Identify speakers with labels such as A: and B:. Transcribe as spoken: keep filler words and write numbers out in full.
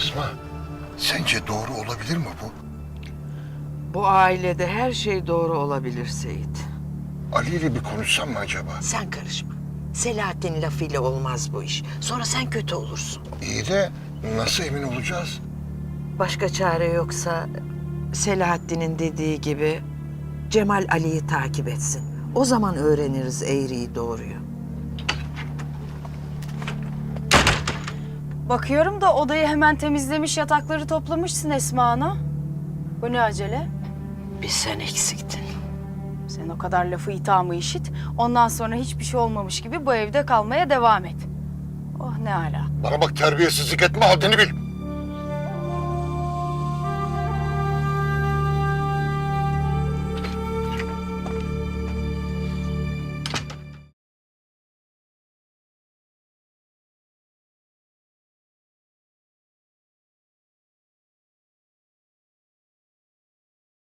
A: Esma, sence doğru olabilir mi bu?
B: Bu ailede her şey doğru olabilir Seyit.
A: Ali ile bir konuşsam mı acaba?
C: Sen karışma. Selahattin lafıyla olmaz bu iş. Sonra sen kötü olursun.
A: İyi de nasıl emin olacağız?
B: Başka çare yoksa Selahattin'in dediği gibi Cemal Ali'yi takip etsin. O zaman öğreniriz eğriyi doğruyu.
D: Bakıyorum da odayı hemen temizlemiş, yatakları toplamışsın Esma Ana. Bu ne acele?
C: Bir sen eksiktin.
D: Sen o kadar lafı ithamı işit. Ondan sonra hiçbir şey olmamış gibi bu evde kalmaya devam et. Oh ne ala.
A: Bana bak, terbiyesizlik etme, haddini bil.